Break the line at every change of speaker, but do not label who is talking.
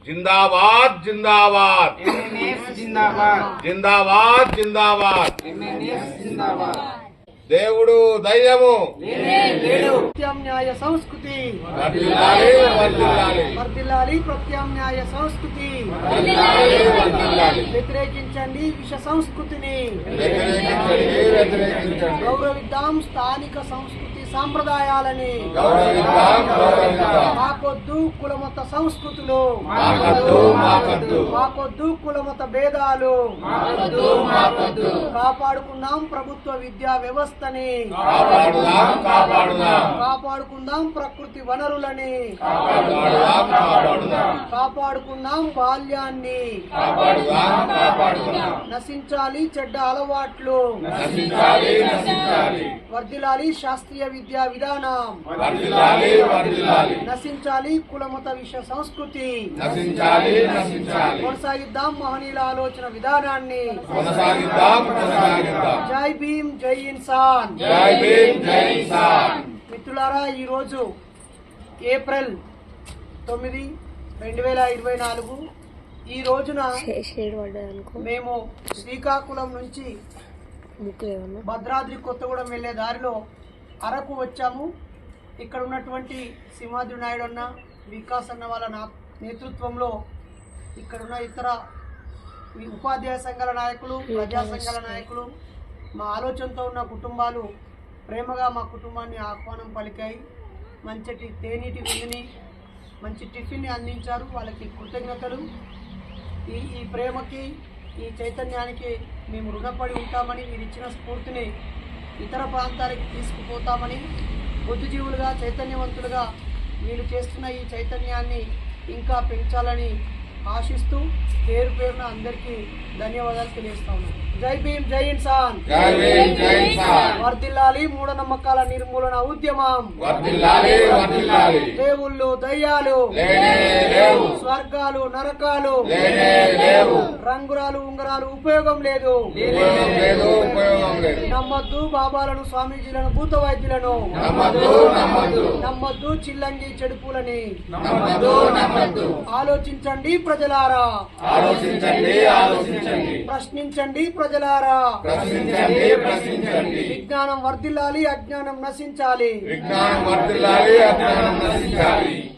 जिंदाबाद जिंदाबाद
जिंदाबाद
जिंदाबाद जिंदाबाद
जिंदाबाद
దేవుడు ధైర్యము
ప్రత్యామ్నాయ సంస్కృతి
వర్ధిల్లాలి వర్ధిల్లాలి
వర్ధిల్లాలి. ప్రత్యామ్నాయ సంస్కృతి
వర్ధిల్లాలి.
వ్యతిరేకించండి విష సంస్కృతిని.
వ్యతిరేకించండి వ్యతిరేకించండి.
గౌరవిద్దాం స్థానిక సంస్కృతి సాంప్రదాయాలని.
గౌరవిద్దాం గౌరవిద్దాం.
మాకొద్దు కులమత సంస్కృతులు.
మాకొద్దు మాకొద్దు.
మాకొద్దు కులమత భేదాలు.
మాకొద్దు మాకొద్దు.
కాపాడుకుందాం ప్రభుత్వ విద్యా వ్యవస్థని.
కాపాడుదాం కాపాడుదాం.
కాపాడుకుందాం ప్రకృతి వనరులని.
కాపాడుదాం కాపాడుదాం.
కాపాడుకుందాం బాల్యాన్ని.
కాపాడుదాం కాపాడుదాం.
నశించాలి చెడ్డ అలవాట్లు.
నశించాలి నశించాలి.
వర్ధిల్లాలి శాస్త్రీయ విద్యా విధానం.
వర్ధిల్లాలి వర్ధిల్లాలి.
నశించాలి కులమత విష సంస్కృతి.
నశించాలి నశించాలి.
కొనసాగిద్దాం మహనీయుల ఆలోచన విధానాన్ని.
కొనసాగిద్దాం కొనసాగిద్దాం.
జై భీమ్ జై ఇన్సాన్.
జై భీమ్ జై ఇన్సాన్.
మిత్రులారా, ఈరోజు ఏప్రిల్ 9, 2024 ఈ రోజున మేము శ్రీకాకుళం నుంచి భద్రాద్రి కొత్తగూడెం వెళ్లే దారిలో అరకు వచ్చాము. ఇక్కడ ఉన్నటువంటి సింహాద్రి నాయుడు అన్న, వికాస్ అన్న వాళ్ళ నేతృత్వంలో ఇక్కడున్న ఇతర ఉపాధ్యాయ సంఘాల నాయకులు, ప్రజా సంఘాల నాయకులు, మా ఆలోచనతో ఉన్న కుటుంబాలు ప్రేమగా మా కుటుంబాన్ని ఆహ్వానం పలికాయి. మంచి తేనీటి విందుని, మంచి టిఫిన్ని అందించారు. వాళ్ళకి కృతజ్ఞతలు. ఈ ప్రేమకి, ఈ చైతన్యానికి మేము రుణపడి ఉంటామని, మీరు ఇచ్చిన స్ఫూర్తిని ఇతర ప్రాంతాలకి తీసుకుపోతామని, బుద్ధిజీవులుగా చైతన్యవంతులుగా వీళ్ళు చేస్తున్న ఈ చైతన్యాన్ని ఇంకా పెంచాలని ఆశిస్తూ పేరు పేరున అందరికీ ధన్యవాదాలు తెలియజేస్తా ఉన్నాను. జై భీమ్ జై ఇన్సాన్.
జై భీమ్ జై ఇన్సాన్.
వర్ధిల్లాలి మూఢనమ్మకాల నిర్మూలన ఉద్యమం.
వర్ధిల్లాలి వర్ధిల్లాలి.
దేవుళ్ళు దయ్యాలు
లేనే లేవు.
స్వర్గాలు నరకాలు
లేనే లేవు.
రంగురాలు ఉంగరాలు ఉపయోగం లేదు.
ఉపయోగం లేదు ఉపయోగం లేదు.
నమ్మద్దు బాబాలను, స్వామీజీలను, భూత వైద్యులను.
నమ్మద్దు నమ్మద్దు.
నమ్మద్దు చిల్లంగి చెడుపులని.
నమ్మద్దు నమ్మద్దు.
ఆలోచించండి ప్రజలారా.
ఆలోచించండి ఆలోచించండి.
ప్రశ్నించండి ప్రజలారా.
ప్రశ్నించండి ప్రశ్నించండి.
విజ్ఞానం వర్ధిల్లాలి, అజ్ఞానం నశించాలి.
విజ్ఞానం వర్ధిల్లాలి అజ్ఞానం నశించాలి.